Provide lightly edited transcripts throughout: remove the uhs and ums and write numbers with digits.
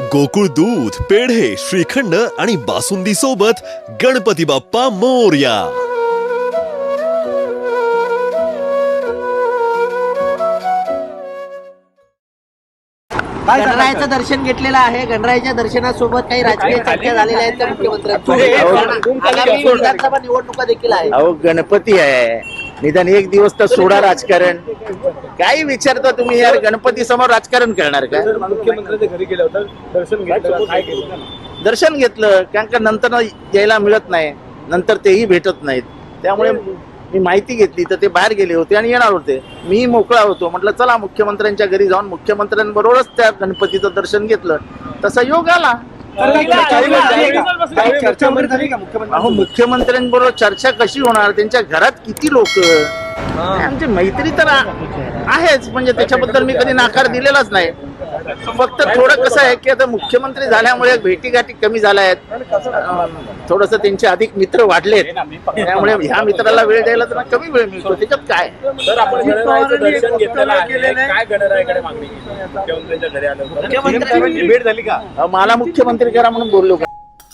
गोकुळ दूध, पेढे, श्रीखंड आणि बासुंदी सोबत गणपती बाप्पा मोरया। गणरायाचं दर्शन घेतलेलं आहे। गणरायाच्या दर्शनासोबत काही राजकीय चर्चा झालेल्या आहेत त्या मुख्यमंत्र्यांच्या। आगामी विधानसभा निवडणुका देखील आहेत। अहो गणपती आहे, निदान एक दिवस तर सोडा राजकारण। काही विचारता तुम्ही यार, गणपती समोर राजकारण करणार का? मुख्यमंत्र्यांच्या घरी गेलं होतं, दर्शन घेतलं, काय केलं? दर्शन घेतलं, कारण का नंतर यायला मिळत नाही, नंतर तेही भेटत नाहीत। त्यामुळे मी माहिती घेतली तर ते बाहेर गेले होते आणि येणार होते। मी मोकळा होतो, म्हटलं चला मुख्यमंत्र्यांच्या घरी जाऊन मुख्यमंत्र्यांबरोबरच त्या गणपतीचं दर्शन घेतलं, तसा योग आला। चर्चा वगैरे झाली का मुख्यमंत्री? अहो मुख्यमंत्र्यांबरोबर चर्चा कशी होणार? त्यांच्या घरात किती लोक, आमची मैत्री तर आहेच, म्हणजे त्याच्याबद्दल मी कधी नाकार दिलेलाच नाही। फक्त थोडं कसं आहे की आता मुख्यमंत्री झाल्यामुळे भेटीगाठी कमी झाल्या आहेत, थोडस त्यांचे अधिक मित्र वाढलेत, त्यामुळे ह्या मित्राला वेळ द्यायला तर कमी वेळ मिळतो। त्याच्यात काय तर आपण गणरायाचं दर्शन घेतलेलं आहे, काय गणरायाकडे मागणी केली? मुख्यमंत्र्यांच्या घरी आलं, मुख्यमंत्र्यांची भेट झाली का? मला मुख्यमंत्री करा म्हणून बोललो का?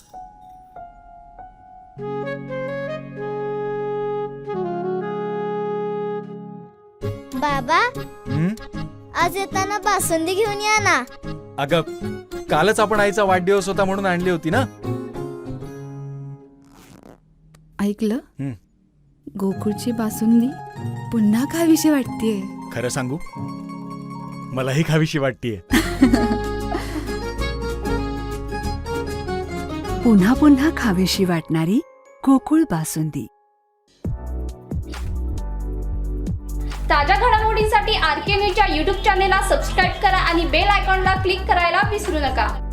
बाबा आज येताना बासुंदी घेऊन या ना। अगं कालच आपण आईचा वाढदिवस होता म्हणून आणली होती ना। ऐकलं, गोकुळची बासुंदी पुन्हा खावीशी वाटतेय। खरं सांगू, मलाही खावीशी वाटतेय। पुन्हा पुन्हा खावीशी वाटणारी गोकुळ बासुंदी। ताज्या घडामोडींसाठी आरके न्यूजच्या YouTube चॅनेलला सबस्क्राईब करा आणि बेल आयकॉनला क्लिक करायला विसरू नका।